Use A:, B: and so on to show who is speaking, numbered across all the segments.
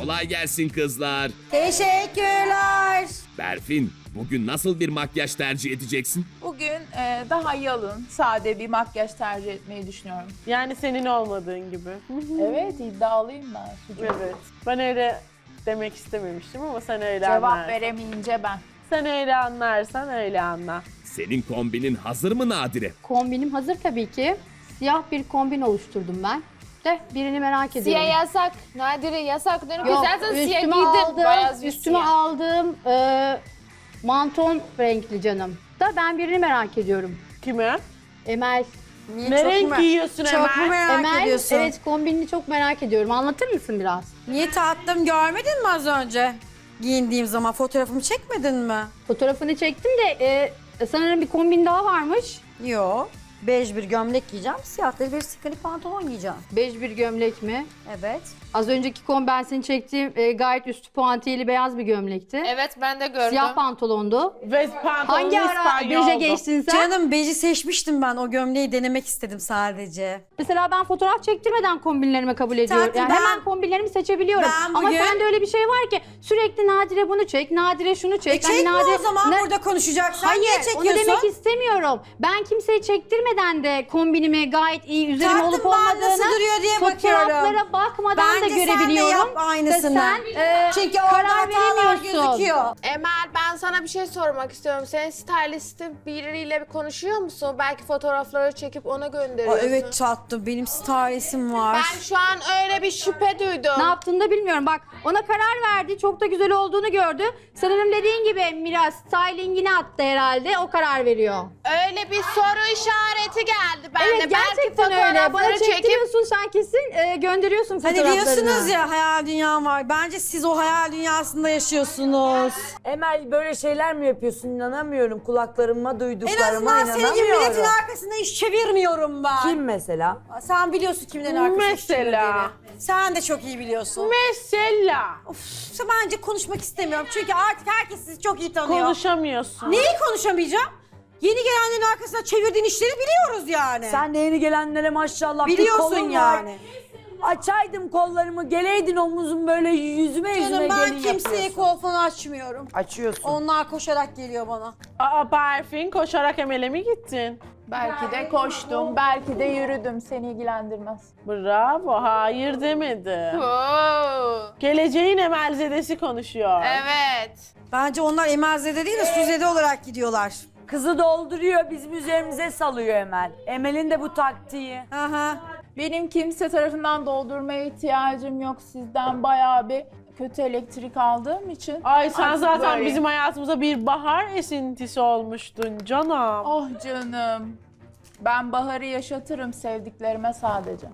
A: Kolay gelsin kızlar.
B: Teşekkürler.
A: Berfin, bugün nasıl bir makyaj tercih edeceksin?
C: Bugün daha yalın, sade bir makyaj tercih etmeyi düşünüyorum.
D: Yani senin olmadığın gibi.
C: Evet, iddialıyım ben.
D: Evet. Ben öyle demek istememiştim ama sen öyle
C: Cevap
D: anlarsın.
C: veremeyince ben.
D: Sen öyle anlarsan öyle anla.
A: Senin kombinin hazır mı Nadire?
E: Kombinim hazır tabii ki. Siyah bir kombin oluşturdum ben. De birini merak ediyorum.
F: Siyah yasak. Nadire yasak. Dönüp
E: Yok,
F: istersen siyah
E: üstüme
F: giydir. Beyaz bir
E: üstüme
F: siyah.
E: aldığım manton renkli canım. Da ben birini merak ediyorum.
D: Kime?
E: Emel.
D: Ne renk giyiyorsun
B: Çok mu
D: Emel?
B: merak
E: Emel,
B: ediyorsun?
E: evet kombinini çok merak ediyorum. Anlatır mısın biraz?
B: Niye tatlım, görmedin mi az önce? Giyindiğim zaman fotoğrafımı çekmedin mi?
E: Fotoğrafını çektim de sanırım bir kombin daha varmış.
B: Yo. Bej bir gömlek giyeceğim, siyah da bir sıkılı pantolon giyeceğim.
E: Bej bir gömlek mi?
B: Evet.
E: Az önceki ben seni çektiğim gayet üstü puantiyeli beyaz bir gömlekti.
F: Evet ben de gördüm.
E: Siyah pantolondu.
D: Ve pantolonun
E: Hangi ara
D: İspanyoldu.
E: beje geçtin sen?
B: Canım beji seçmiştim ben, o gömleği denemek istedim sadece.
E: Mesela ben fotoğraf çektirmeden kombinlerimi kabul ediyorum.
B: Tatlım,
E: Yani
B: ben-
E: hemen kombinlerimi seçebiliyorum.
B: Ben
E: Ama
B: bugün-
E: sende öyle bir şey var ki sürekli Nadire bunu çek, Nadire şunu çek.
B: Çekme
E: Nadire...
B: o zaman,
E: Ne-
B: burada konuşacaksan
E: Hayır,
B: niye
E: onu
B: çekiyorsun?
E: demek istemiyorum. Ben kimseyi çektirmeden de kombinimi gayet iyi üzerime
B: Tatlım,
E: olup
B: ben
E: olmadığını
B: nasıl duruyor diye bakıyorum.
E: fotoğraflara bakmadan da
B: Bence sen de
E: görebiliyorum.
B: yap aynısını.
E: Sen
B: Çünkü
E: karar
B: orada hatalar
E: veremiyorsun.
B: gözüküyor.
F: Emel ben sana bir şey sormak istiyorum. Senin stylistin biriyle bir konuşuyor musun? Belki fotoğrafları çekip ona
B: Aa,
F: gönderiyorsun.
B: evet tatlım, benim stylistim var.
F: Ben şu an öyle bir şüphe duydum.
E: Ne yaptığını da bilmiyorum. Bak ona karar verdi. Çok da güzel olduğunu gördü. Sanırım dediğin gibi Miras stylingini attı herhalde. O karar veriyor.
F: Öyle bir soru işareti geldi bende.
E: Evet gerçekten
F: Belki
E: öyle. Bana
F: fotoğrafları çekip
E: çektiriyorsun sen kesin gönderiyorsun
B: Hani
E: fotoğraflarını.
B: diyorsunuz ya hayal dünyam var. Bence siz o hayal dünyasında yaşıyorsunuz.
G: Emel böyle şeyler mi yapıyorsun? İnanamıyorum. Kulaklarıma
B: En
G: duyduklarıma
B: azından senin gibi
G: inanamıyorum.
B: milletin arkasında iş çevirmiyorum ben.
G: Kim mesela?
B: Sen biliyorsun kimlerin arkasında iş
D: Mesela.
B: çevirdiğini. Sen de çok iyi biliyorsun.
D: Mesela.
B: Of, bence konuşmak istemiyorum. Çünkü artık herkes sizi çok iyi tanıyor.
D: Konuşamıyorsun.
B: Neyi konuşamayacağım? Yeni gelenlerin arkasında çevirdiğin işleri biliyoruz yani.
G: Sen de yeni gelenlere maşallah bir
B: biliyorsun
G: kolun var.
B: yani.
G: Açaydım kollarımı, geleydin omuzum böyle yüzüme
B: Canım ben
G: gelin
B: kimseye
G: yapıyorsun.
B: kol falan açmıyorum.
G: Açıyorsun.
B: Onlar koşarak geliyor bana.
D: Aa Berfin koşarak Emel'e mi gittin?
C: Belki de koştum, belki de yürüdüm. Seni ilgilendirmez.
D: Bravo, hayır demedi.
F: Oo,
D: Geleceğin Emelzedesi konuşuyor.
F: evet.
B: Bence onlar Emelzede değil de Suzede olarak gidiyorlar.
G: Kızı dolduruyor, bizim üzerimize salıyor Emel. Emel'in de bu taktiği.
B: Aha.
C: Benim kimse tarafından doldurmaya ihtiyacım yok. Sizden bayağı bir kötü elektrik aldığım için.
D: Ay sen
C: Artık
D: zaten
C: böyle.
D: bizim hayatımıza bir bahar esintisi olmuştun canım.
C: Oh canım. Ben baharı yaşatırım sevdiklerime sadece.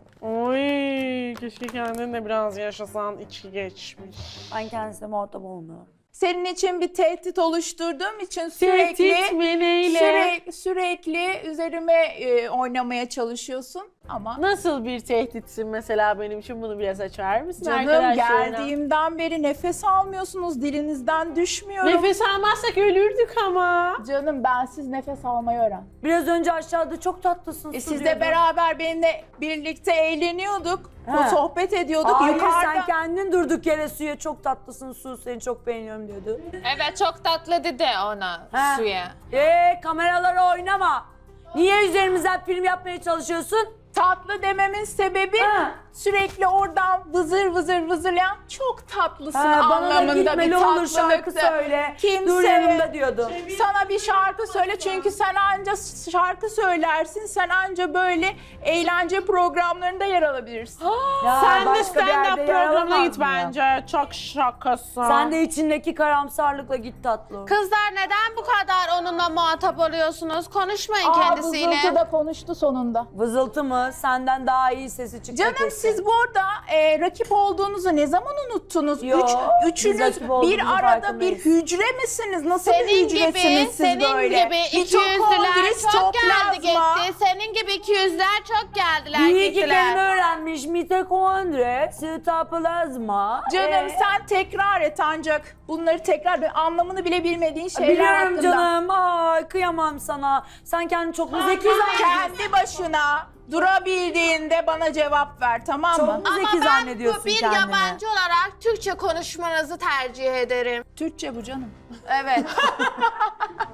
D: Oy, keşke kendin de biraz yaşasan, içi geçmiş.
G: Ben kendisine muhatap olmuyorum.
C: Senin için bir tehdit oluşturduğum için
D: Tehdit
C: sürekli
D: mi neyle?
C: sürekli üzerime oynamaya çalışıyorsun ama
D: Nasıl bir tehditsin mesela benim için, bunu biraz açar mısın
C: canım
D: arkadaşlarına?
C: geldiğimden beri nefes almıyorsunuz, dilinizden düşmüyorum.
D: Nefes almazsak ölürdük ama.
C: Canım bensiz nefes almayı öğren.
G: Biraz önce aşağıda çok tatlısın. su
C: Siz de
G: diyordun.
C: beraber benimle birlikte eğleniyorduk,
G: Ha.
C: sohbet ediyorduk.
G: Hayır
C: Yukarıda
G: sen kendin durduk yere suya çok tatlısın Su, seni çok beğeniyorum diyordu.
F: Evet çok tatlı dedi ona
G: Ha.
F: suya.
G: Kameralara oynama. Niye üzerimizden film yapmaya çalışıyorsun?
C: tatlı dememin sebebi
G: Ha.
C: sürekli oradan vızır vızır vızırlayan çok tatlısın
G: Bana da
C: anlamında bir
G: gitmeli olur şarkı
C: tatlılıktı.
G: söyle.
C: Kimseye-
G: Dur yanımda diyordu.
C: Sana bir şarkı söyle çünkü sen anca şarkı söylersin, sen anca böyle eğlence programlarında yer alabilirsin.
G: Ya
D: Sen de
G: başka bir yerde
D: stand-up
G: yer
D: programına
G: alamaz
D: git
G: mı ya?
D: bence. Çok şakasın.
G: Sen de içindeki karamsarlıkla git tatlı.
F: Kızlar neden bu kadar onunla muhatap oluyorsunuz? Konuşmayın kendisiyle.
C: Vızıltı da konuştu sonunda.
G: Vızıltı mı? Senden daha iyi sesi çıktı
C: Canım
G: kesin.
C: siz burada rakip olduğunuzu ne zaman unuttunuz?
G: Yo, biz
C: Üçünüz
G: rakip olduğumuzun
C: bir arada
G: farkındayız.
C: bir hücre misiniz? Nasıl
F: Senin
C: bir hücresiniz siz
F: senin
C: böyle?
F: gibi
C: Mitokondri,
F: ikiyüzlüler çok geldi
C: sitoplazma.
F: gitti. Senin gibi ikiyüzler çok geldiler
G: İyi ki kelime
F: gittiler.
G: öğrenmiş. Mitokondri, sitoplazma.
C: Canım sen tekrar et ancak bunları tekrar anlamını bile bilmediğin şeyler
G: Biliyorum
C: hakkında.
G: canım. Ay kıyamam sana. Sen kendini çok mu zeki zannediyorsun?
C: Kendi başına Durabildiğinde bana cevap ver, tamam mı?
G: Çok mu zeki
F: Ama ben
G: zannediyorsun
F: bir
G: kendini?
F: yabancı olarak Türkçe konuşmanızı tercih ederim.
G: Türkçe bu canım.
F: Evet.